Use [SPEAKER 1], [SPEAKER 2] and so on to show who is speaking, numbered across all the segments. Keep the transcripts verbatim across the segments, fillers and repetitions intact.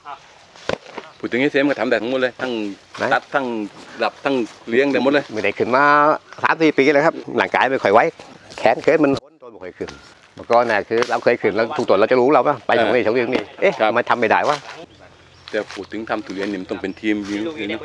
[SPEAKER 1] พูดถึงไอ้เซมก็ทำได้ทั้งหมดเลยทั้งตัดทั้งดับทั้งเลี้ยงได้หมดเลย
[SPEAKER 2] ไม่ได้ขึ้นมาสามสี่ปีแล้วครับหลังกายไม่ค่อยไว้แขนเคิร์ดมันทนตัวไม่ค่อยขึ้นเมื่อก่อนน่ะคือเราเคยขึ้นแล้วทุกตัวเราจะรู้เราว่าไปตรงนี้ตรงนี้นี่เอ๊ะทำไมทำไม่ได้วะ
[SPEAKER 1] แต่พูดถึงทำทุเรียนนี่มันต้องเป็นทีมยิง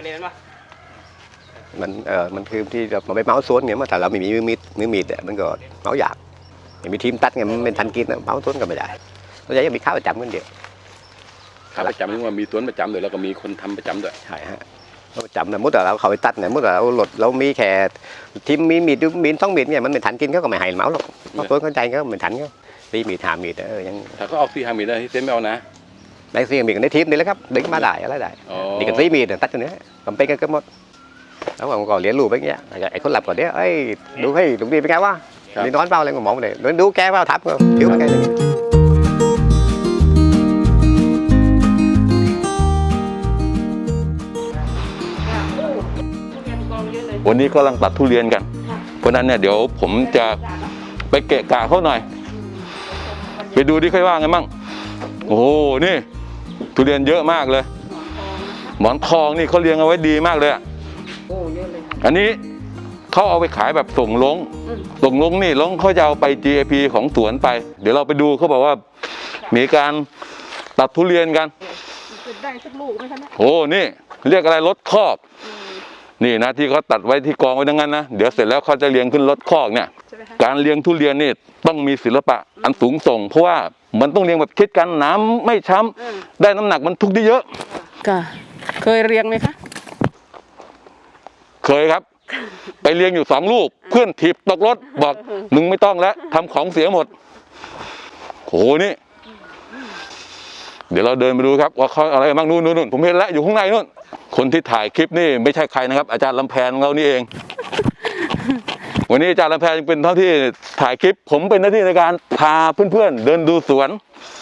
[SPEAKER 2] มันเออมันคือที่เราไปเมาส์สวนเนี่ยเมื่อแต่เราไม่มีมือมีดมือมีดมันก็เมาส์ยากไม่มีทีมตัดไงมันเป็นทันกินเมาส์สวนก็ไม่ได้เราจะมีข้าวประจำกันเดียว
[SPEAKER 1] ข้าวประจำนี่ว่ามีสวนประจำด้วยแล้วก็มีคนทำประจำด้วย
[SPEAKER 2] ใช่ฮะเราประจำนะมุดแต่เราเขาไปตัดเนี่ยมุดแต่เราหลดเรามีแค่ทีมมีมีดมีดต้องมีดเนี่ยมันเป็นทันกินเขาก็ไม่ให้เมาส์หรอกเพราะสวนเข้าใจเขาเป็นทันเขาตีมีดหามีดเออยัง
[SPEAKER 1] ถ้าเขาเอาซีหามีดได้เซมไม่เอานะ
[SPEAKER 2] ได้ซีมีดกันในทีมนี่แหละครับดึงมาได้อะไรได้นี่กันซีมีดตัดตัวนี้กำเป็นกันก็หมดแล้วผมก็เลี้ยงลูกไปเงี้ยไอ้คนหลับก่อนเนี้ยเอ้ยดูให้ลุงดีเป็นไงวะนี่นอนเปล่าอะไรก็มองไปเลยดูแกเปล่าทับก็ผิวเป็นไง
[SPEAKER 1] วันนี้ก็กำลังตัดทุเรียนกันเพราะนั้นเนี่ยเดี๋ยวผมจะไปเกะกะเขาหน่อยไปดูที่ค่อยว่าไงมั่งโอ้โหนี่ทุเรียนเยอะมากเลยหมอนทองนี่เขาเลี้ยงเอาไว้ดีมากเลยอันนี้เขาเอาไปขายแบบส่งลงส่งลงนี่ลงเขาจะเอาไป จี เอ พี ของสวนไปเดี๋ยวเราไปดูเขาบอกว่ามีการตัดทุเรียนกัน
[SPEAKER 3] ได้สักลูกไหมคะเนี่ย
[SPEAKER 1] โอ้นี่เรียกอะไรรถคอกนี่นะที่เขาตัดไว้ที่กองไว้ดังนั้นนะเดี๋ยวเสร็จแล้วเขาจะเลี้ยงขึ้นรถคอกเนี่ยการเลี้ยงทุเรียนนี่ต้องมีศิลปะอันสูงส่งเพราะว่ามันต้องเลี้ยงแบบคิดกันน้ำไม่ช้ำได้น้ำหนักมันทุกได้เยอะ
[SPEAKER 3] ค่ะเคยเลี้ยงไหมคะ
[SPEAKER 1] เคยครับไปเลี้ยงอยู่สองลูกเพื่อนถีบตกรถบอกมึงไม่ต้องแล้วทำของเสียหมดโหนี่เดี๋ยวเราเดินไปดูครับว่าเขาอะไรบ้างนู่นนู่นผมเห็นแล้วอยู่ข้างในนู่นคนที่ถ่ายคลิปนี่ไม่ใช่ใครนะครับอาจารย์ลำแพนของเรานี่เองวันนี้อาจารย์ลำแพนเป็นเท่าที่ถ่ายคลิปผมเป็นหน้าที่ในการพาเพื่อนๆเดินดูสวน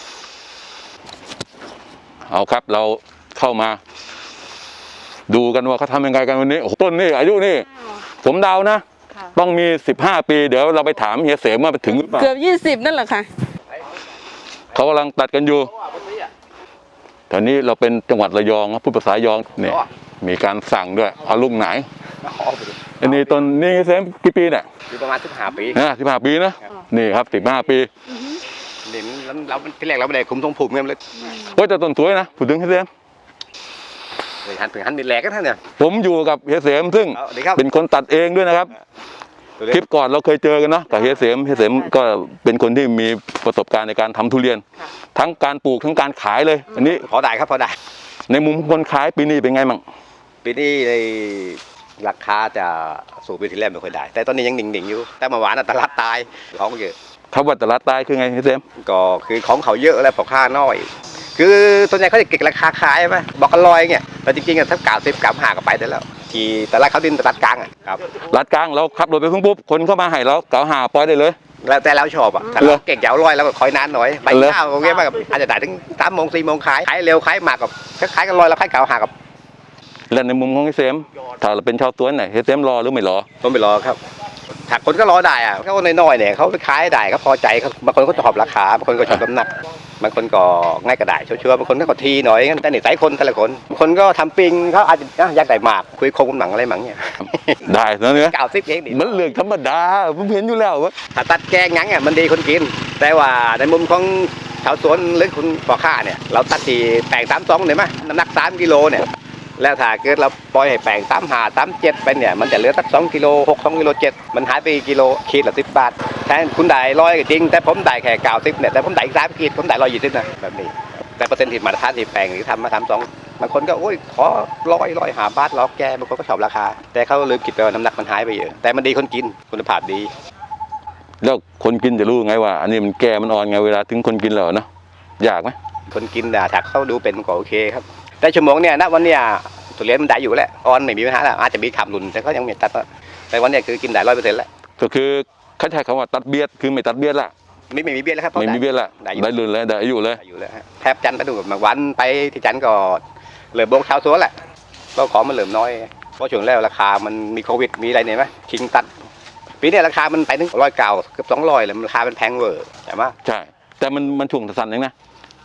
[SPEAKER 1] เอาครับเราเข้ามาดูกันว่าเขาทำยังไงกันวันนี้ต้นนี่อายุนี่ผมเดานะต้องมีสิบห้าปีเดี๋ยวเราไปถามเฮียเสมว่าไปถึงหรือเปล่า
[SPEAKER 3] เกือบยี่สิบนั่นแหละค่ะ
[SPEAKER 1] เขากำลังตัดกันอยู่ตอนนี้เราเป็นจังหวัดระยองพูดภาษายองเนี่ยมีการสั่งด้วยเอาลูกไหนอันนี้ต้นนี่เซมกี่ปีเนี่ย
[SPEAKER 2] ประมาณสิบห้าปี
[SPEAKER 1] นะสิบห้าปีนะนี่ครับสิบห้าปี
[SPEAKER 2] เด่นแล้วที่แรกเราไม่ได้คุมทรงผมเงี้ยเลย
[SPEAKER 1] โอ้แต่ต้นสวยนะพูดถึงเฮียเสม
[SPEAKER 2] เลยหันถึงหันดินแหลกกันท่านเนี่ย
[SPEAKER 1] ผมอยู่กับเฮียเสมซึ่งเป็นคนตัดเองด้วยนะครับคลิปก่อนเราเคยเจอกันเนาะกับเฮียเสมเฮียเสมก็เป็นคนที่มีประสบการณ์ในการทำทุเรียนทั้งการปลูกทั้งการขายเลยอันนี้
[SPEAKER 2] พอได้ครับพอได้
[SPEAKER 1] ในมุมคนขายปีนี้เป็นไงมั่ง
[SPEAKER 2] ปีนี้ในราคาจะสูงปีที่แล้วไม่ค่อยได้แต่ตอนนี้ยังหนิ่งๆอยู่แต่เมื่อวานตลาดตายของเยอะ
[SPEAKER 1] เขาว่าตลาดตายคือไงเฮียเสม
[SPEAKER 2] ก็คือของเขาเยอะแล้วพอค่าน้อยคือส่วนใหญ่เขาจะเก็บราคาขายไหมบอกกันลอยเงี้ยแต่จริงๆถ้าเก่าสิบเก่าหาก็ไปได้แล้วที่แต่ละเขาดินตลาดกลางอ่ะครับ
[SPEAKER 1] ตลาดกลางเราขับรถไปพุ่งปุ๊บคนเข้ามาให้เราเก่าหาปล่อยได้เลย
[SPEAKER 2] แล้วแต่เราชอบอ่ะถ้าเราเก่งเจ้าลอยแล้วก็คอยนานหน่อยไปข้าวตรงนี้มากอาจจะได้ถึงสามโมงสี่โมงขายขายเร็วขายมากกับขายกันลอยแล้วขายเก่าหากับ
[SPEAKER 1] แล้วในมุมของเฮียเสมถ้าเราเป็นชาวสวนไหนเฮียเสมรอหรือไม่รอ
[SPEAKER 2] ต้องไปรอครับถ้าคนก็รอได้อ่ะเขาน้อยๆเนี่ยเขาไปขายได้เขาพอใจเขาบางคนก็ชอบราคาบางคนก็ชอบน้ำหนักบางคนก็ง่ายกระได้ชัวร์ๆบางคนก็ทีหน่อยงั้นแต่หนึ่งสายคนแต่ละคนคนก็ทำปิงเขาอาจจะอยากได้หมากคุยคงหนังอะไรหมังเนี่ย
[SPEAKER 1] ได้นะเนี่ย
[SPEAKER 2] เก่าซิปเอง
[SPEAKER 1] มันเรื่องธรรมดาผมเห็นอยู่แล้วว่า
[SPEAKER 2] ถ้าตัดแกงงั้งอ่ะมันดีคนกินแต่ว่าในมุมของชาวสวนหรือคุณพ่อค้าเนี่ยเราตัดที่แปลงสามสองเนี่ยมั้ยน้ำหนักสามกิโลเนี่ยแล้วถ้าเกิดเราปล่อยให้แปลงสามห้าสามเจ็ดไปเนี่ยมันจะเหลือสักสองกิโลหกสองกิโลเจ็ดมันหายไปกิโลขีดละสิบบาทแทนคุณได้ร้อยก็จริงแต่ผมได้แค่เก้าสิบเนี่ยแต่ผมได้สามขีดผมได้ร้อยยี่สิบนะแบบนี้แต่เปอร์เซ็นต์ที่มาตรฐานที่แปลงหรือทำมาทำสองบางคนก็โอ้ยขอร้อยร้อยหาบาทล้อแกบางคนก็ชอบราคาแต่เขาลืมคิดไปว่าน้ำหนักมันหายไปเยอะแต่มันดีคนกินคุณภาพดี
[SPEAKER 1] แล้วคนกินจะรู้ไงว่าอันนี้มันแก่มันอ่อนไงเวลาถึงคนกินแล้วเนาะยากไหม
[SPEAKER 2] คนกินน่ะถ้าเขาดูเป็นก็โอเคครับแต่ชั่วโมงเนี่ยณวันเนี้ยทุเรียนมันได้อยู่แล้วออนไม่มีปัญหาแล้วอาจจะมีขามหลุนแต่ก็ยังไม่ตัดแต่วันนี้คือกินได้ร้อยเปอร์เซ็นต์แล้ว
[SPEAKER 1] ก็คือเขาใช้คำว่าตัดเบียดคือไม่ตัดเบียดละ
[SPEAKER 2] ไม่ไม่มีเบียดแล้วครับ
[SPEAKER 1] ไม่มีเบียดละได้ลุนเลยได้อายุเลย
[SPEAKER 2] อยู่แล้วแทบจันทร์ไปดูมาวันไปที่จันทร์ก็เหลือโบกเช้าสวนแหละก็ของมันเหลือน้อยเพราะช่วงแล้วราคามันมีโควิดมีอะไรเนี่ยไหมชิงตัดปีนี้ราคามันไปถึงร้อยเก่าเกือบสองร้อยเลยราคามันแพงเวอร์ใช่ไหม
[SPEAKER 1] ใช่แต่มันมันช่วงสั้นเองนะ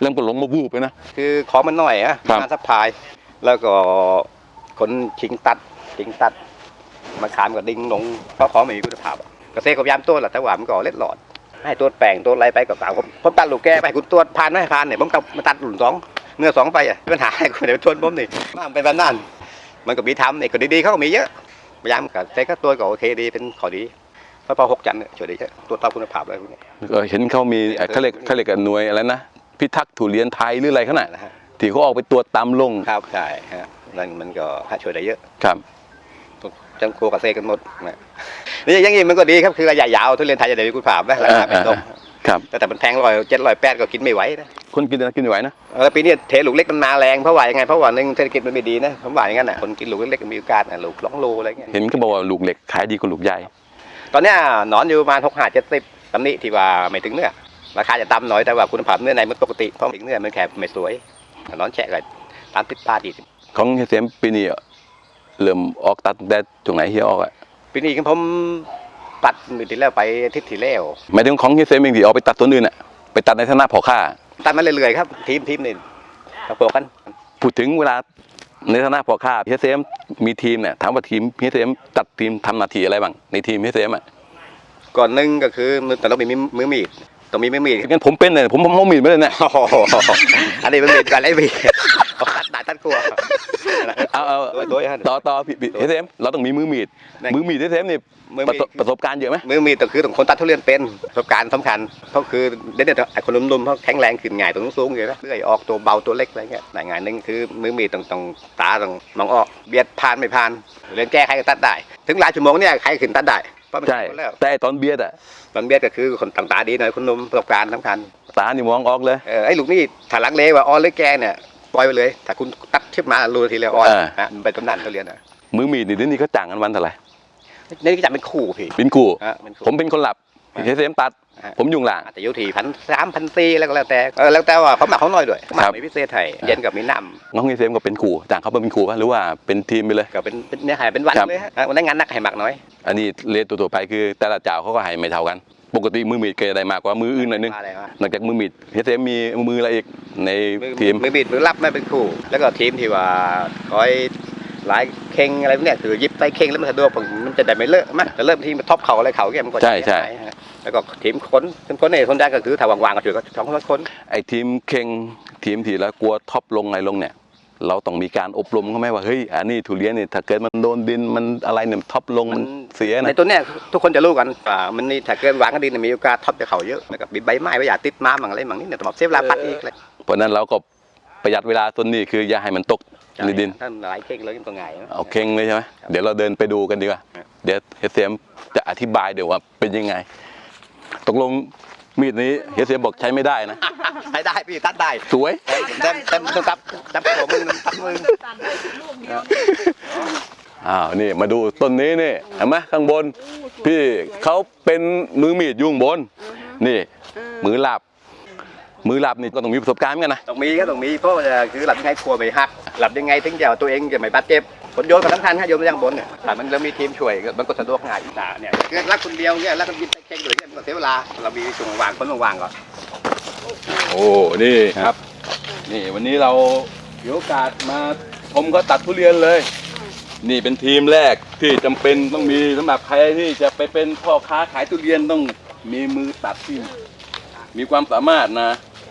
[SPEAKER 1] เริ่มก็หลงมาบูบไปนะ
[SPEAKER 2] คือของมันหน่อยอะ
[SPEAKER 1] ครับ
[SPEAKER 2] งานซัพพลายแล้วก็คนชิงตัดชิงตัดมาขามกับดิงลงเพราะของไม่มีคุณภาพอะเกษตรก็พยายามตัวแหละแต่ว่ามันก็เล็ดหลอดให้ตัวแปลงตัวอะไรไปกับสาวผมผมตัดลูกแก้ไปคุณตัวผ่านไม่ผ่านเนี่ยผมต้องมาตัดหลุนสองเนื้อสองไปอ่ะปัญหาให้คนเดียวทนผมนี่มันเป็นแบบนั้นมันก็มีทำเนี่ยก็ดีๆเขาก็มีเยอะพยายามกับใช้ก็ตัวก็โอเคดีเป็นขอดีเพราะพอหกจันทร์เนี่ยช่วยได้เยอะตัวตามคุณภาพอะไรพวกนี้
[SPEAKER 1] ก็เห็นเขามีเขาเรียกเขาเรียกกันหน่วยอะไรนะพิทักษ์ทุเรียนไทยหรืออะไรขนาด
[SPEAKER 2] นะฮะ
[SPEAKER 1] ที่เขาออกไปตรวจตามลง
[SPEAKER 2] ครับใช่ฮะนั่นมันก็ช่วยได้เยอะ
[SPEAKER 1] ครับ
[SPEAKER 2] จังโคกับเซกันหมดนะนี่อยังงี้มันก็ดีครับคือระยะยาวทุเรียนไทยจะได้มีคุณภาพนะราคาไม่ตก
[SPEAKER 1] ครับ
[SPEAKER 2] แต่แต่มันแพงร้อยเจ็ดร้อยแปดก็กินไม่ไหวนะ
[SPEAKER 1] คนกินนะกินไม่ไหวนะ
[SPEAKER 2] เออปีนี้เทลูกเล็กมันมาแรงเพราะว่ายังไงเพราะว่าหนึ่งเศรษฐกิจมันไม่ดีนะผมว่าอย่างนั้นน่ะคนกินลูกเล็กๆมีโอกาสนะลูกสองโลอะไรเงี้ย
[SPEAKER 1] เห็นเขาบอกว่าลูกเหล็กขายดีกว่าลูกใหญ่
[SPEAKER 2] ตอนเนี้ยหนอนอยู่ประมาณหกห้าเจ็ดสิบตำหนิที่ว่าไม่ถึงเนื้อราคาจะต่ำหน่อยแต่ว่าคุณภาพเนื้อในมันปกติเพราะถึงเนื้อมันแค่ไม่สวยหนอนแฉะเลยตามติดปลาดี
[SPEAKER 1] ของเฮเซมปีนี้เริ่มออกตัดแต่ตรงไหนเฮียออกอ่ะ
[SPEAKER 2] ปีนี้ผมตัดมือที่แล้วไปอาทิศที่แล้ว
[SPEAKER 1] หมายถึงของเฮเซมเองที่เอาไปตัดตัวอื่นอ่ะไปตัดในฐานะพ่อค้า
[SPEAKER 2] ตัดมาเรื่อยๆครับทีมทีมนี่ประกบกัน
[SPEAKER 1] พูดถึงเวลาในฐานะพ่อค้าเฮเซมมีทีมเนี่ยถามว่าทีมเฮเซมตัดทีมทำหน้าที่อะไรบ้างในทีมเฮเซมอ่ะ
[SPEAKER 2] ก่อนหนึ่งก็คือมือแต่เรามีมือมีดต้องมีมือมีด
[SPEAKER 1] งั้นผมเป็นเลยผมผมเอามีดไม่เลยเนี่ย
[SPEAKER 2] โอ้โหอันนี้มันมีดกันไอ้มีดตัดหนาตัดกลัว
[SPEAKER 1] เอาเอา
[SPEAKER 2] โดยโดยฮะ
[SPEAKER 1] ต่อต่อพี่เฮเซมเราต้องมีมือมีด
[SPEAKER 2] ไหน
[SPEAKER 1] มือมีดเฮเซมนี่
[SPEAKER 2] มือ
[SPEAKER 1] ประ
[SPEAKER 2] มี
[SPEAKER 1] ส
[SPEAKER 2] ด
[SPEAKER 1] บประสบการณ์เยอะไหม
[SPEAKER 2] มือมีดก็คือต้องคนตัดทุเรียนเป็นประสบการณ์สำคัญเพราะคือเด็กๆไอ้คนนุ่มๆเขาแข็งแรงขึ้นง่ายตัวสูงๆอยู่นะเลื่อยออกตัวเบาตัวเล็กอะไรเงี้ยแต่งานหนึ่งคือมือมีดต้องต้องตาต้องมองออกเบียดผ่านไม่ผ่านเรียนแก้ใครก็ตัดได้ ถึงหลายชั่วโมงเนี่ยใครขึ้นตัดได้เพราะมัน
[SPEAKER 1] ใช่
[SPEAKER 2] คนแล้ว
[SPEAKER 1] แต่ไอ้ตอนเบียดอ่ะ
[SPEAKER 2] บางเบียดก็คือคนต่างตาดีหน่อยคนนุ่มประสบการณ์สำคัญ
[SPEAKER 1] ตานี่มองออกเลย
[SPEAKER 2] เออไอ้ลูกนี่ถ้าลังเลว่าออนหรือแกเนี่ยปล่อยไปเลยถ้าคุณตัดชิบมารู้ทีเลยออน
[SPEAKER 1] เออ
[SPEAKER 2] นะมันเป็นตำนานทุเรียนอ่ะ
[SPEAKER 1] มือมีดนี่เดี๋ยวนี้เขาจ้างกันวันเท่าไหร่
[SPEAKER 2] นี่ก็จะเป็นคู่พี่
[SPEAKER 1] เป็นคู่
[SPEAKER 2] ฮะเป็นคู่
[SPEAKER 1] ผมเป็นคนหลับ
[SPEAKER 2] อ่า
[SPEAKER 1] เฮเซมตัด
[SPEAKER 2] ฮะ
[SPEAKER 1] ผมยุ่งหลัง
[SPEAKER 2] อาจจะอยู่ที่พันสามพันสี่แล้วก็แล้วแต่เออแล้วแต่ว่าเขาหมักเขาหน่อยด้วยหมั
[SPEAKER 1] ครั
[SPEAKER 2] ก
[SPEAKER 1] บ
[SPEAKER 2] มีพิเศษไทยเย็นกับมีน้
[SPEAKER 1] น้องเฮเซมก็เป็นคู่จ้างเขาเป็นคู่ป่ะหรือว่าเป็นทีมไปเลย
[SPEAKER 2] ำก็เป็นเป็นเนื้อหายเป็นวัน
[SPEAKER 1] ครับ
[SPEAKER 2] เลยฮะวันนั้นงานนักให้หมักน้อย
[SPEAKER 1] อันนี้เลทตัวๆไปคือแต่ละเจ้าเขาก็ให้ไม่เท่ากัน ปกติมือมีดก็จะได้มากกว่ามืออื่นหน่อยนึง
[SPEAKER 2] ว่าอะไรวะ
[SPEAKER 1] นอกจากมือมีดเฮเซมมีมืออะไรอีกใน
[SPEAKER 2] มือ
[SPEAKER 1] ทีม
[SPEAKER 2] มือบิดมือรับไม่เป็นคู่ แล้วก็ทีมที่ว่าคอยหลายเข่งอะไรพวกเนี่ยคือยิบไปเข่งแล้วมันสะดวกมันจะได้ไม่เลอะมั้ยจะเริ่มทีมท็อปเขาอะไรเขาแกมันก็
[SPEAKER 1] ใช่ใช่
[SPEAKER 2] เสียหายฮะแล้วก็ทีมคนคนคนเนี่ยคนได้ก็คือถ้าวางๆก็ถือก็สองคนคน
[SPEAKER 1] ไอ้ทีมเข่งทีมที่แล้วกลัวท็อปลงไงลงเนี่ย เราต้องมีการอบรมเขาไหมว่าเฮ้ยอันนี้ทุเรียนเนี่ยถ้าเกิดมันโดนดินมันอะไรเนี่ยท็อปลงมันเสีย
[SPEAKER 2] ใน
[SPEAKER 1] นะ
[SPEAKER 2] ตัวเนี้ยทุกคนจะรู้กันว่ามันนี่ถ้าเกินวางก็ดีเนี่ยมีโอกาสท็อปจะเขาเยอะแล้วก็มีใบไม้ไว้อย่าติดมาบางอะไรบางนี่เนี่ยต้องบอกเซฟลาพัดอีกเลย
[SPEAKER 1] เพราะฉะนั้นเราก็ประหยัดเวลาต้นนี้คืออย่าให้มันตกในดิน
[SPEAKER 2] ถ้าหลายเข่งเลยมันก็ง่ายนะ
[SPEAKER 1] เอาเข่งเลยใช่ไหมเดี๋ยวเราเดินไปดูกันดีกว่า
[SPEAKER 2] ครับ
[SPEAKER 1] เดี๋ยวเฮเซมจะอธิบายเดี๋ยวว่าเป็นยังไง ตกลงมีดนี้เฮเซมบอกใช้ไม่ได้นะ
[SPEAKER 2] ใช้ได้พี่ตัดได้
[SPEAKER 1] สวย
[SPEAKER 2] เต็มเต็มต้องตับตับหัวมึงตับมึง
[SPEAKER 3] ตัดได้ลูกเดียว
[SPEAKER 1] อ้าวนี่มาดูต้นนี้นี่เห็นไหมข้างบน พี่เขาเป็นมือมีดอยุ่ข้างบน นี่ มือหลับ มือหลับนี่ก็ต้องมีประสบการณ์เหมือนกันนะ
[SPEAKER 2] ต้องมีก็ต้องมีเพราะว่าคือหลับยังไงกลัวไม่หักหลับยังไงถึงจะเอาตัวเองจะไม่บาดเจ็บผลโยนก็สำคัญครับโยนไปยังบนเนี่ยแต่มันเรามีทีมช่วยมันก็สะดวกง่ายอ่าเนี่ยคือรักคนเดียวเนี่ยรักคนยิบเข่งเลยเนี่ยมันก็เสียเวลาเรามีช่วงวางคนวางก่อน
[SPEAKER 1] โอ้ นี่ครับ นี่วันนี้เรามีโอกาสมาชมเขาตัดทุเรียนเลย นี่เป็นทีมแรกที่จำเป็นต้องมีสำหรับใครที่จะไปเป็นพ่อค้าขายทุเรียนต้องมีมือตัดที่มีความสามารถนะ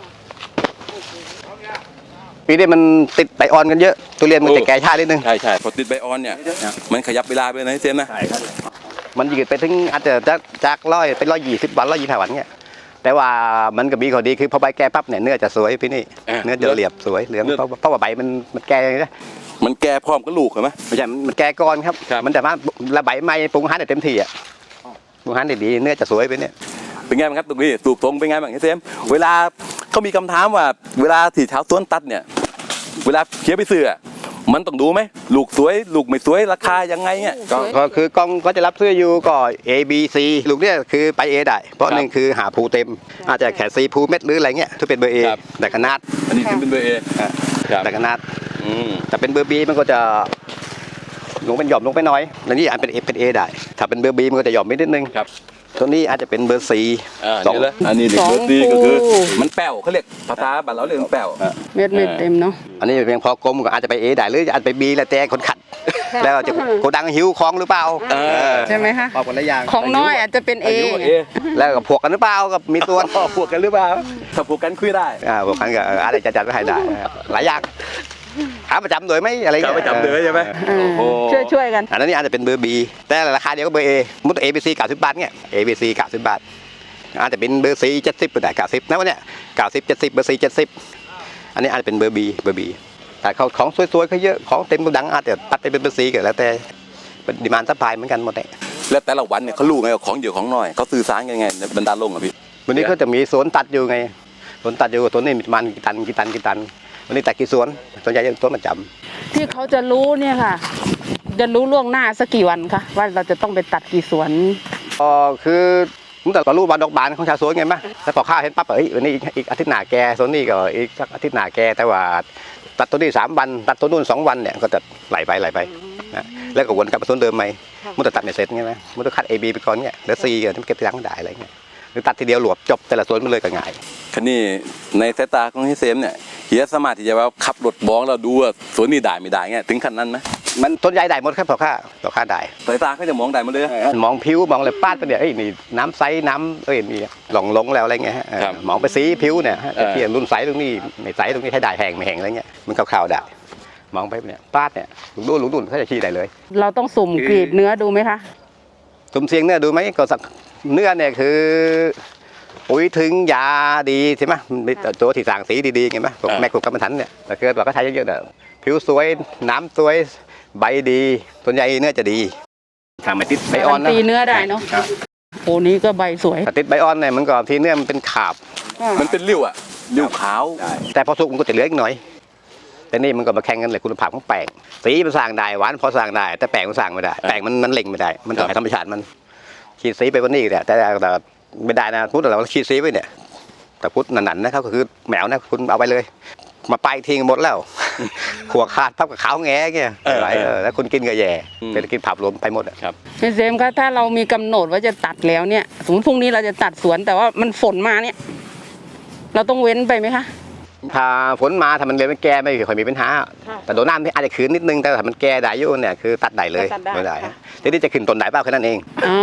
[SPEAKER 2] ปีนี้มันติดใบอ่อนกันเยอะทุเรียนมันจะแก่ช้านิดนึง
[SPEAKER 1] ใช่ใช่พอติดใบออนเนี่ย มันขยับเวลาไปนะเจมส์นะ
[SPEAKER 2] ใช่ครับมันยืดไปถึงอาจจะจากจากร้อยเป็นร้อยยี่สิบวันร้อยยี่สิบห้าวันเนี่ยแต่ว่ามันก็มีข้อดีคือพอใบแก่ปั๊บเนี่ยเนื้อจะสวยพี่นี่เนื้อจะเรียบสวยเหลืองเพราะเพราะว่าใบมันมันแก่นะ
[SPEAKER 1] มันแก่พร้อมกับลูกเห็นไหม
[SPEAKER 2] ไม่ใช่มันแก่ก่อนครับ
[SPEAKER 1] ครับ
[SPEAKER 2] มันแต่ว่าระใบไม้ปรุงอาหารได้เต็มที่อ่ะปรุงอาหารได้ดีเนื้อจะสวยไปเนี่ย
[SPEAKER 1] เป็นไงบ้างครับตรงนี้สูบตรงเป็นไงบ้างเจมส์เวลาเขามีคำถามว่า เวลาที่ชาวสวนตัดเนี่ย เวลาเขียนไปซื้ออะมันต้องดูไหมลูกสวยลูกไม่สวยราคายังไงเนี่ย
[SPEAKER 2] ก็ก็คือกล้องก็จะรับซื้ออยู่ก็ A B C ลูกเนี่ยคือไป A ได้เพราะ
[SPEAKER 1] ครับ
[SPEAKER 2] หนึ่งคือหาภูเต็ม อาจจะแค่ C ภูเม็ดหรืออะไรเงี้ยถ้าเป็นเบอร์ A
[SPEAKER 1] ครับ
[SPEAKER 2] แต่ขนาด
[SPEAKER 1] อันนี้ถึงเป็นเบอร์เอ
[SPEAKER 2] อ่ะ
[SPEAKER 1] ครับ
[SPEAKER 2] แต่ขนาด
[SPEAKER 1] อืม
[SPEAKER 2] แต่เป็นเบอร์ B มันก็จะลงเป็นหย่อมลงไปน้อยแล้วนี่อันเป็น A เป็น A ได้ถ้าเป็นเบอร์ B มันก็จะหย่อมไปนิดนึง
[SPEAKER 1] ครับ
[SPEAKER 2] ตัวนี้อาจจะเป็นเบอร์สี่
[SPEAKER 1] อ่า
[SPEAKER 2] สอง
[SPEAKER 1] นี่เลยอันนี้เด็ก
[SPEAKER 3] สอง
[SPEAKER 1] เบอร์สี่ก็คือ
[SPEAKER 3] ภู
[SPEAKER 1] มันแป้วเขาเรียกภาษาบ้านเราเรียกมันแป้ว
[SPEAKER 3] เม็ดเม็ดเต็มเนาะ
[SPEAKER 2] อันนี้เพียงพอกลมก็อาจจะไปเอได้หรืออาจจะไปบีแล้วแต่คนขัด แล้วจะโกดังหิวคลองหรือเปล่า
[SPEAKER 1] เออ
[SPEAKER 3] ใช่ไหมคะ
[SPEAKER 2] พอคนละอย่าง
[SPEAKER 3] ของน้อยอาจจะเป็นเอ
[SPEAKER 1] อายุ
[SPEAKER 3] ไง
[SPEAKER 1] เอ
[SPEAKER 2] แล้วก็พวกกันหรือเปล่ากับมีตัว
[SPEAKER 1] พวกกันหรือเปล่าถ้าพวกกันคุยได้
[SPEAKER 2] อ่าพวกกันก็อะไรจะจัดไว้ให้ได้หลายอย่างหาประจำโดยไหมอะไร
[SPEAKER 1] จะ
[SPEAKER 2] เงี้ย
[SPEAKER 1] ไปจำเลยใช่ไหม
[SPEAKER 3] เออ
[SPEAKER 1] โอ้
[SPEAKER 3] ช่วยช่วยๆกัน
[SPEAKER 2] อันนั้นนี่อาจจะเป็นเบอร์บีแต่ราคาเดียวก็เบอร์เอมุดเอบีซีเก้าสิบบาทเนี่ยเอบีซีเก้าสิบบาทอาจจะเป็นเบอร์ซีเจ็ดสิบก็ได้เก้าสิบนะวันเนี้ยเก้าสิบเจ็ดสิบเบอร์ซีเจ็ดสิบอันนี้อาจจะเป็นเบอร์บีเบอร์บีแต่เขาของสวยๆเขาเยอะของเต็มกระดังอาจจะตัดไปเป็นเบอร์ซีก็แล้วแต่เป็นดีมานด์ซัพพลายเหมือนกันหมดเลย
[SPEAKER 1] แล้วแต่ละวันเนี่ยเขารู้ไงว่าของเยอะของน้อยเขาสื่อสารกันยังไงในบรรดาลงอ่ะพี่
[SPEAKER 2] วันนี้เขาจะมีสวนตัดอยู่ไงสวนตัดอยู่ตัวนี้มีประมาณกี่ตันกี่ตันกี่ตันวันนี้ตัดกี่สวนส่วนใหญ่จะสวนประจำ
[SPEAKER 3] ที่เขาจะรู้เนี่ยค่ะ จะรู้ล่วงหน้าสักกี่วันคะว่าเราจะต้องไปตัดกี่สวน
[SPEAKER 2] อ๋อคือผมแต่ก็รู้บานดอกบานของชาวสวนไงมั้ยแล้วพอข้าวเห็นปั๊บเอ้ยวันนี้อีกอีกอาทิตย์หน้าแกส่วนนี้ก็อีกสักอาทิตย์หน้าแกแต่ว่าตัดตัวนี้สามวันตัดตัวนู้นสองวันเนี่ยก็จะไหลไปไหลไปนะแล้วก็วนกลับมาสวนเดิมใหม่มันจะตัดไม่เสร็จไงมั้ยมันต้องคัด A B ไปก่อนเนี่ยแล้ว C ก็เก็บทีหลังได้อะไรเงี้ยหรือตัดทีเดียวหลวบจบแต่ละสวนมันเลยก็ง่าย
[SPEAKER 1] คันนี้ในสายตาของพี่เซมเนี่ยเฮียสามารถที่จะว่าขับรถบ้องเราดูว่าสวนนี้ได้ไม่ได้เงี้ยถึงขั้นนั้นไหม
[SPEAKER 2] มันต้นใหญ่ได้หมดครับพอค่าพอค่าได้
[SPEAKER 1] สายตาเขาจะมองได้หมาเลย
[SPEAKER 2] มองผิวมองอะไรปาดไปเนี่ยเอ้ยนี่น้ำใสน้ำเอ้ยนี่หลงลงแล้วอะไรเงี้ยฮะเออ
[SPEAKER 1] ครับ
[SPEAKER 2] มองไปสีผิวเนี่ยฮะ
[SPEAKER 1] เออ
[SPEAKER 2] เทียนรุ่นใสตรงนี้ไม่ใสตรงนี้ให้ได้แห้งไม่แห้งอะไรเงี้ยมันขาวๆได้มองไปเนี่ยปาดเนี่ยหลุงดูหลุงดุนเขาจะชี้ได้เลย
[SPEAKER 3] เราต้องสุ่มกรีดเนื้อดูไหมคะ
[SPEAKER 2] ตุ่มเสียงเนื้อดูไหมก็สักเนื้อเนี่ยคือปุ๋ยถึงยาดีใช่ไหมมันมีตัวที่สั่งสีดีๆไงไหมพวกแม่ขุดกำมันถันเนี่ยแต่เกิดว่าก็ใช้เยอะๆเนี่ยผิวสวยน้ำสวยใบดีส่วนใหญ่เนื้อจะดีทำมาติดใบอ่อนนะ
[SPEAKER 3] ตีเนื้อได้เนาะ
[SPEAKER 2] ครับ
[SPEAKER 3] โอ้นี้ก็ใบสวย
[SPEAKER 2] ถ้าติดใบอ่อนเนี่ยมันก็ทีเนื้อมันเป็นขาบ
[SPEAKER 1] มันเป็นริ้วอ่ะริ้วขาว
[SPEAKER 2] แต่พอสุกมันก็จะเหลืออีกหน่อย แต่นี่มันก็มาแข่งกันเลยคุณภาพของแป้งสีมันสร้างได้หวานพอสร้างได้ แต่แป้งมันสร้างไม่ได้แป้งมันมันเล่งไม่ได้ มันต้องให้ธรรมชาติมันขีดสีไปวันนี้แต่แต่แต่ไม่ได้นะพูดแต่เราขีดสีไว้เนี่ยแต่พูดหนันๆนะครับก็คือแมวนะคุณเอาไปเลย มาไปทิ้งหมดแล้ว หัวขาดพับกับขาวแง่เงี้ยไหลเออแล้วคุณกินก็แย่เป็นกินผับรวมไปหมดอะ
[SPEAKER 3] พี่เซมคะถ้าเรามีกำหนดว่าจะตัดแล้วเนี่ยสมมติพรุ่งนี้เราจะตัดสวนแต่ว่ามันฝนมาเนี่ย เราต้องเว้นไปไหมคะ
[SPEAKER 2] ถ้าฝนมาถ้ามันเลยไม่แก่ไม่ค่อยมีปัญหา
[SPEAKER 3] ค่ะ
[SPEAKER 2] แต่โดนน้ำนี่อาจจะขืนนิดนึงแต่ถ้ามันแก่ได้อยู่เนี่ยคือตัดได้เลย
[SPEAKER 3] ตัดได้
[SPEAKER 2] ไม่ได้
[SPEAKER 3] ค่ะ
[SPEAKER 2] ทีนี้จะขึ้นต้นได้เปล่าแค่นั้นเอง
[SPEAKER 3] อ๋อ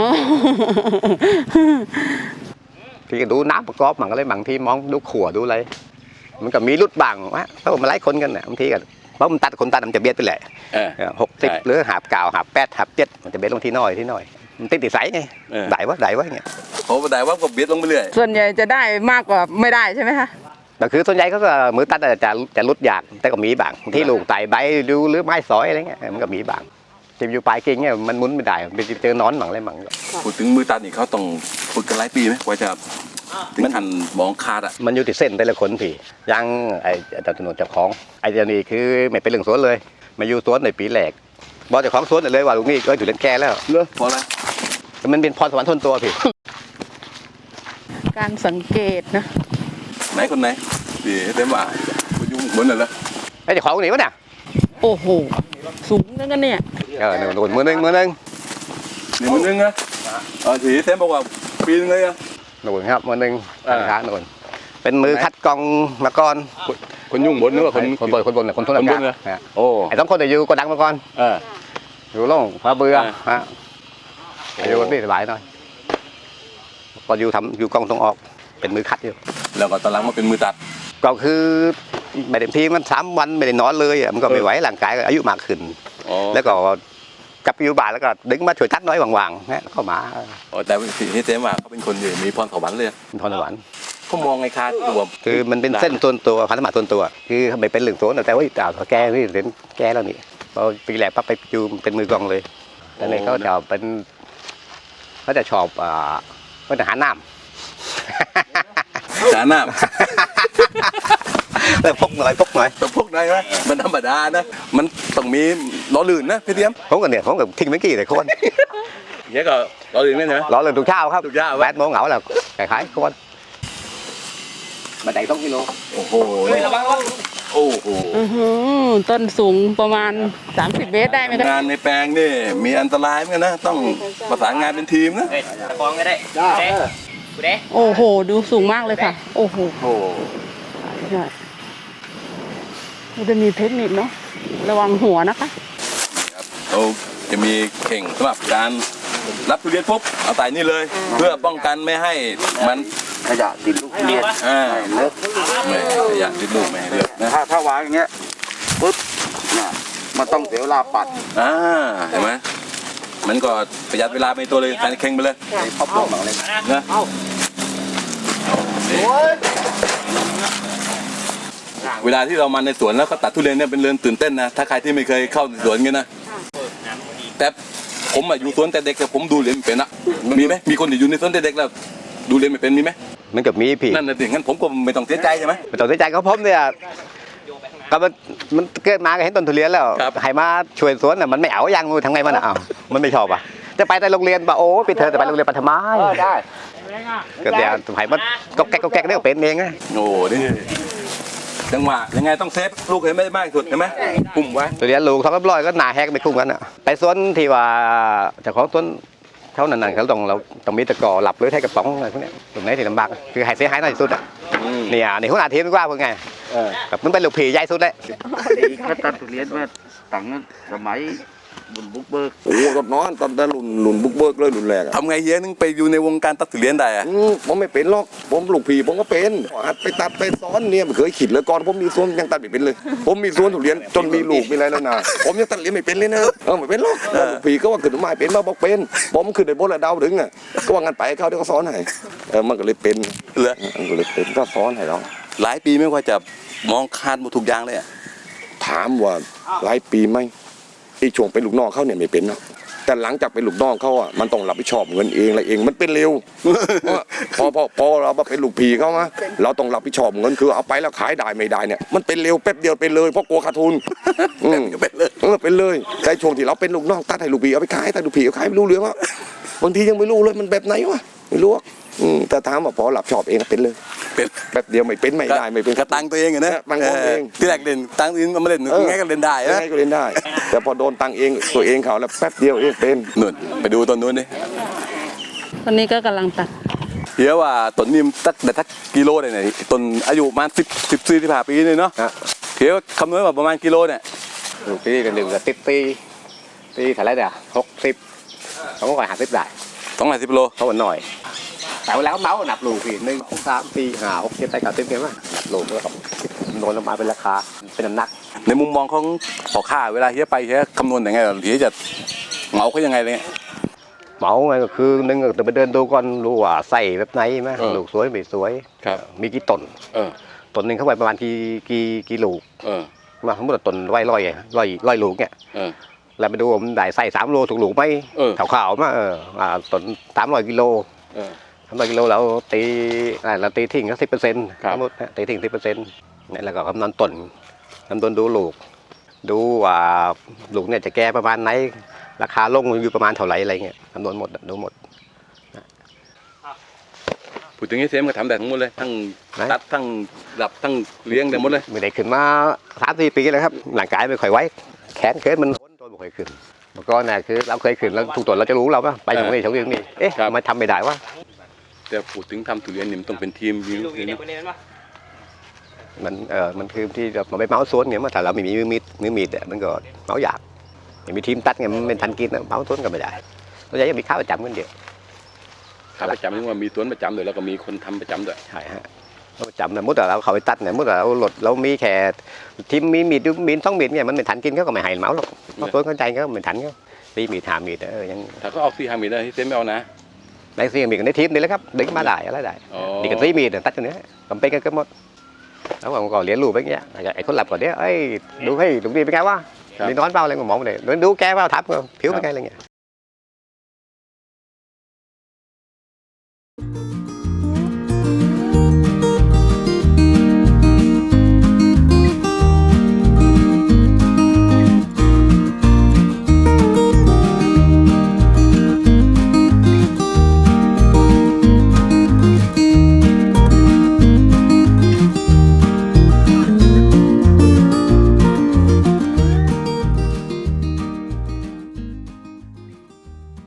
[SPEAKER 2] ที่ดูน้ำประกอบมันก็เลยบางทีมองดูขั่วดูอะไรมันก็มีรุดบ้างวะเพราะมันหลายคนกันเนี่ยบางทีก็เพราะมันตัดคนตัดมันจะเบียดไปแหละ
[SPEAKER 1] เออ
[SPEAKER 2] หกสิบ
[SPEAKER 1] ใช่
[SPEAKER 2] หรือหาบเก่าหาบแปดหาบเจ็ดมันจะเบียดลงที่น้อยที่น้อยมันติดติดใสไง
[SPEAKER 1] เออ
[SPEAKER 2] ได้วะได้วะเงี้ย
[SPEAKER 1] โอ้ได้ว่าก็เบียดลงไปเรื่อย
[SPEAKER 3] ส่วนใหญ่จะได้มากกว่าไม่ได้ใช่ไหมคะ
[SPEAKER 2] แต่คือส่วนใหญ่เขาก็มือตัดจะจะจะรุดยากแต่ก็มีบ้างบางที่ลูกไต่ใบดูหรือไม้สอยอะไรเงี้ยมันก็มีบ้างจะอยู่ปลายกิ่งเนี่ยมันหมุนไม่ได้ไปเจอนอนหมั่งอะไรหมั่ง
[SPEAKER 1] พูดถึงมือตัดนี่เขาต้องฝึกกันหลายปีไหมกว่าจะถึงขั้นมองขาดอ่ะ
[SPEAKER 2] มันอยู่ที่เส้นแต่ละคนพี่อยังไอ้เจ้าถนนเจ้าของไอ้เจ้านี่คือไม่เป็นเรื่องสวนเลย มาอยู่สวนในปีแรกบอกเจ้าของสวนเลยว่าลุงนี่ก็อยู่เล่นแก่แล้ว
[SPEAKER 1] เลิกพอแล้ว
[SPEAKER 2] มันเป็นพรสวรรค์ทนตัวพี่
[SPEAKER 3] การสังเกตนะ
[SPEAKER 1] ไหนคนไหนดีเต็มว่าคุณยุ่งบนน่ะเหรอ
[SPEAKER 2] ไอ้เจ้าของคนนี้วะเนี่ย
[SPEAKER 3] โอ้โหสูงนั่นกันเนี่ย
[SPEAKER 2] เออหนึ่งมือหนึ่งมือหนึ่ง
[SPEAKER 1] นี่มันนึงนะเออทีเต็มบอกว่าปีนึงเลยอ่ะ
[SPEAKER 2] หนุนครับมือหนึ่ง
[SPEAKER 1] อ่า
[SPEAKER 2] ขาหนุนเป็นมือคัดกรองมาก่อน
[SPEAKER 1] คนยุ่งบนนึกว่าคน
[SPEAKER 2] คนบนคนบนเนี่ยคนทน
[SPEAKER 1] คนบน
[SPEAKER 2] อา
[SPEAKER 1] เหร
[SPEAKER 2] กา
[SPEAKER 1] อ
[SPEAKER 2] ศ
[SPEAKER 1] โอ้
[SPEAKER 2] ไอ้สองคนเนี่ยอยู่กดังมาก่อน
[SPEAKER 1] เออ
[SPEAKER 2] อยู่โล่งพาเบื่อ
[SPEAKER 1] อ่า
[SPEAKER 2] ฮะอยู่นี่สบายหน่อยก็อยู่ทำอยู่กองตรงออกเป็นมือคัดอยู่
[SPEAKER 1] แล้วก็ตอนหลังมาเป็นมือตัด
[SPEAKER 2] ก็คือไม่เต็มที่มันสามวันไม่ได้นอนเลยอะมันก็ไม่ไหวร่างกายก็อายุมากขึ้น
[SPEAKER 1] อ๋อ
[SPEAKER 2] แล้วก็กลับไปอยู่บ้านแล้วก็ดึงมาช่วยตัดน้อยว่างๆนะเข้ามา
[SPEAKER 1] อ๋อแต่ที่เต็มว่าเขาเป็นคนอยู่มีพรสวรรค์เลย
[SPEAKER 2] เป็นทนสวรรค์
[SPEAKER 1] เขามองไงคาดตัว
[SPEAKER 2] คือมันเป็นเส้นส่วนตัวพันธบัตรส่วนตัว คือไม่เป็นเหลืองโซนแต่ว่าอ้าวแกนี่เห็นแกแล้วนี่พอปีแรกปั๊บไปอยู่เป็นมือกองเลยแต่เลยเขาจะเป็นเขาจะชอบอ่าเขาจะหาน้ำ
[SPEAKER 1] สาหน้า
[SPEAKER 2] แต่พกหน่อยพกหน่อย
[SPEAKER 1] แต่พวกได้ไหมมันธรรมดานะ มันต้องมีล้อลื่นนะพี่เทียม
[SPEAKER 2] ผมก็เนี่ยผมก็ทิ้งเมื่อกี้แต่คน
[SPEAKER 1] เนี้ยก็ล้อลื่นไหมใช่ไหม
[SPEAKER 2] รอเลยทุกเช้าครับ
[SPEAKER 1] ทุกเช้า
[SPEAKER 2] แปดโมงเหงาแล้วขายขายคนมาได้ต้องกิโล
[SPEAKER 1] โอ้โหนี่โอ้โห
[SPEAKER 3] อือหือนู่นต้นสูงประมาณสามสิบเมตรได้ไหมคะ
[SPEAKER 1] งานในแปลงนี่มีอันตรายเหมือนกันนะต้องประสานงานเป็นทีมนะ
[SPEAKER 2] กองก็ได้ได้กูได้
[SPEAKER 3] โอ้โห ดูสูงมากเลยค่ะ โอ้โห
[SPEAKER 2] โอ้
[SPEAKER 3] ใช่มันจะมีเทคนิคเนาะระวังหัวนะคะ
[SPEAKER 1] เราจะมีเข่งสำหรับการรับทุเรียนปุ๊บเอาใส่นี่เลย เพื่อป้องกันไม่ให้มัน
[SPEAKER 4] ขยะติดลูกทุเรียน
[SPEAKER 1] อ่า
[SPEAKER 4] เลิก
[SPEAKER 1] ไม่ให้ขยะติดลูกไม่ให้เลือกนะ
[SPEAKER 4] ถ้าถ้าวางอย่างเงี้ยปุ๊บเนี่ยมันต้องเสียเวลาปัด
[SPEAKER 1] อ่าเห็นไหมมันก็ประหยัดเวลาไปตัวเลยใส่เข่งไปเลย
[SPEAKER 4] ไอ้พับลงหลังเลย
[SPEAKER 1] นะเวลาที่เรามาในสวนแล้วก็ตัดทุเรียนเนี่ยเป็นเรื่องตื่นเต้นนะถ้าใครที่ไม่เคยเข้าสวนกันนะแต่ผมอะอยู่สวนแต่เด็กแต่ผมดูเรียนไม่เป็นอะมีไหมมีคนที่อยู่ในสวนแต่เด็กแล้วดูเรียนไม่เป็นมีไหม
[SPEAKER 2] มันกับมีพี่
[SPEAKER 1] นั่นน่ะสิงั้นผมก็ไม่ต้องเสียใจใช่ไหม
[SPEAKER 2] ไม่ต้องเสียใจเขาผมเนี่ยก็มันมันเกิดมาก็เห็นต้นทุเรียนแล้ว
[SPEAKER 1] ครับ
[SPEAKER 2] ให้มาช่วยสวนน่ะมันไม่เอาอย่างงูทำไงมันอ่ะเอามันไม่ชอบอ่ะจะไปแต่โรงเรียนป่ะโอ้ไปเธอจะไปโรงเรียนปัทมาได้ก็เดี๋ยวให้มันก็แก๊กก็แก๊กได้เป็นเองไง
[SPEAKER 1] โอ้นี่จังหวะยังไงต้องเซฟลูกให้ไม่ได้มากที่สุดเห็นไหมปุ่มไว้
[SPEAKER 2] ทุเรียนลูกสองร้อยก็หนาแฮกไม่คุ้มกันอ่ะไปสวนที่ว่าเจ้าของสวนเขานั่นๆเขาต้องเราต้องมีตะกอหลับหรือใช้กระป๋องอะไรพวกเนี้ยตรงไหนที่ลำบากคือให้เสียหายน้อยที่สุดอ่ะเนี่ยในหัวหน้าทีมดีกว่าพวกไงแบบมันเป็นลูกผีใหญ่สุดเลย
[SPEAKER 4] เขาตัดทุเรียนมาตั้งนั้นสมัยบุญบุกเบิก
[SPEAKER 5] โอ้ตอนนอนตอนนั้นหลุนหลุนบุกเบิกเลยหลุนแรกอะ
[SPEAKER 1] ทำไงเฮียนึงไปอยู่ในวงการตัดทุเรียนได้อะ
[SPEAKER 5] อืมผมไม่เป็นหรอกผมลูกผีผมก็เป็นหัดไปตัดไปซ้อนเนี่ยไม่เคยขิดเลยก่อนผมมีสวนยังตัดไม่เป็นเลย ผมมีสวนทุเรียนจนมีลูกมีอะไรแล้วนะผมยังตัดเรียนไม่เป็นเลยนะเออไม่เป็นหรอกลูกผีก็ว่าขึ้นมาเป็นมาบอกเป็นผมขึ้นในบนระดาวถึงอ่ะก็ว่างั้นไปเขาเดี๋ยวก็สอนให้เออมันก็เลยเป็น
[SPEAKER 1] เหรอ
[SPEAKER 5] มันก็เลยเป็นก็สอนให้เรา
[SPEAKER 1] หลายปีไม่ว่าจะมองคาดหมดทุกอย่างเลยอะ
[SPEAKER 5] ถามว่าหลายปีไหมไอ้ช่วงเป็นลูกน้องเขาเนี่ยไม่เป็นเนาะแต่หลังจากเป็นลูกน้องเขาอ่ะมันต้องรับผิดชอบเงินเองอะไรเองมันเป็นเร็ว พอพอพอเรามาเป็นลูกผีเขามาเราต้องรับผิดชอบเงินคือเอาไปแล้วขายได้ไม่ได้เนี่ยมันเป็นเร็วแป๊บเดียวเป็นเลยเพราะกลัวขาดทุนอืม
[SPEAKER 1] เป็นเลย
[SPEAKER 5] เออเป็นเลยแต่ช่วงที่เราเป็นลูกน้องตัดให้ลูกผีเอาไปขายแต่ลูกผีเอาขายไม่รู้เรื่องว่าบางทียังไม่รู้เลยมันแบบไหนวะไม่รู้อะอืมแต่ถามว่าพอรับชอบเองเป็นเลย
[SPEAKER 1] เป็น
[SPEAKER 5] แป๊บเดียวไม่เป็นไม่ได้ไม่เป็น
[SPEAKER 1] กระตังตัวเองอะนะ
[SPEAKER 5] ตังตัวเอง
[SPEAKER 1] ที่แรกเล่นตังอื่นก็ไม่เล่น
[SPEAKER 5] เออ
[SPEAKER 1] ไงก็เล่นได้
[SPEAKER 5] ยัง
[SPEAKER 1] นะ
[SPEAKER 5] ไงก็เล่นได้ แต่พอโดนตังเองตัวเองเขาแล้วแป๊บเดียวเองเป็น
[SPEAKER 1] นู่นไปดูต้นนู้นดิ
[SPEAKER 3] ตอนนี้ก็กำลังตัด
[SPEAKER 1] เฮียว่าต้นนี้มันตักแต่ทักกิโลเลยเนี่ยต้นอายุประมาณสิบสิบสี่สิบห้าปีเลยเนาะ
[SPEAKER 2] ฮะ
[SPEAKER 1] เฮียว่าคำนวณว่าประมาณกิโลเนี่ย
[SPEAKER 2] ลูกพี่กันหนึ่งก็ติดตีตีเท่าไรเนี่ยหกสิบสองร้อยห้าสิบได้
[SPEAKER 1] สองร้อยสิบโล
[SPEAKER 2] เขาหน่อยแต่ว่าแล้วเมาส์นับลูกพี่หนึ่งสองสามสี่ห้าหกเจ็ดแปดเก้าสิบเนี่ยมั้ยนับลูกแล้วก็โดนลงมาเป็นราคาเป็นน้ำหนัก
[SPEAKER 1] ในมุมมองของพ่อค้าเวลาเฮียไปเฮียคำนวณยังไงเฮียจะเหมาเขายังไงเลย
[SPEAKER 2] เมาไงก็คือหนึ่งก็ต้องไปเดินดูก่อนรู้ว่าใส่แบบไหนไหม
[SPEAKER 1] เออ
[SPEAKER 2] ลูกสวยไม่สวย
[SPEAKER 1] ครับ
[SPEAKER 2] มีกี่ต้น
[SPEAKER 1] เออ
[SPEAKER 2] ต้นหนึ่งเข้าไปประมาณกี่กี่กี่ลูก
[SPEAKER 1] เออ
[SPEAKER 2] มาสมมติว่าต้นร้อยร้อยร้อยร้อยลูกเนี่ย
[SPEAKER 1] เออ
[SPEAKER 2] แล้วไปดูว่ามันได้ใส่สามโลถูกลูกไหม
[SPEAKER 1] เออ
[SPEAKER 2] ขาวๆมาเอออ่าต้นสามร้อยกิโล
[SPEAKER 1] เออ
[SPEAKER 2] สามร้อยกิโลเราตีอ่าเราตีทิ้งก็สิบเปอร์เซ็นต์
[SPEAKER 1] ครับ
[SPEAKER 2] สมมตินะตีทิ้งสิบเปอร์เซ็นต์เนี่ยแล้วก็คำนวณต้นคำนวณดูลูก ดูว่าลูกเนี่ยจะแก่ประมาณไหนราคาลงอยู่ประมาณเท่าไหร่อะไรเงี้ยคำนวณหมดอะดูหมด
[SPEAKER 1] พูดถึงนี้เซมก็ทำได้ทั้งหมดเลยทั้ง
[SPEAKER 2] ไหน
[SPEAKER 1] ตัดทั้งหลับทั้งเลี้ยงได้หมดเลย
[SPEAKER 2] ไม่ได้ขึ้นมาสามสี่ปีแล้วครับร่างกายไม่ค่อยไหวแขนเขินมันโดนไม่ค่อยขึ้นเมื่อก่อนน่ะคือเราเคยขึ้นแล้วทุกตัวเราจะรู้เราปะไปตรงนี้ตรงนี้ตรงนี้เอ๊ะ
[SPEAKER 1] ครับ
[SPEAKER 2] ทำไมทำไม่ได้วะ
[SPEAKER 1] แต่พูดถึงทำทุเรียนนี่มันต้องเป็นทีมจริงๆนะ
[SPEAKER 2] มันเออมันคือที่เราไปเมาส์สวนเนี่ยเมื่อถ้าเราไม่มีมือมีดมือมีดอะมันก็เมาส์ยากไม่มีทีมตัดไงมันเป็นทันกินอะเมาส์สวนก็ไม่ได้เราจะมีข้าวประจำกันเดียว
[SPEAKER 1] ขาประจำนี่ว่ามีสวนประจำด้วยแล้วก็มีคนทำประจำด้วย
[SPEAKER 2] ใช่ฮะเราประจำเนี่ยมุดเราเขาไปตัดเนี่ยมุดเราหลดเรามีแค่ทีมมีมีดมีดสองมีดเนี่ยมันไม่ทันกินเขาก็ไม่ให้เมาส์หรอกเพราะสวนเข้าใจเขาไม่ทันเขาตีมีดหามีดเออยัง
[SPEAKER 1] ถ้าเขาเอาซีฮามีได้เซมไม่เอานะ
[SPEAKER 2] ได้ซีมีกันในทีมนี่แหละครับดึงมาได้อะไรได้
[SPEAKER 1] อ๋อ
[SPEAKER 2] นี่กันซีมีดตัดตัวเนี้ยทำเป็นกันก็หมดแล้วผมก็เรียนรู้ไปเงี้ยไอ้คนหลับก่อนเนี้ยเอ้ยดูให้ดูดีเป็นไงวะมีนอนเปล่าอะไรก็มองไปเลยดูแกเปล่าทับก็ผิวเป็นไงอะไรเงี้ย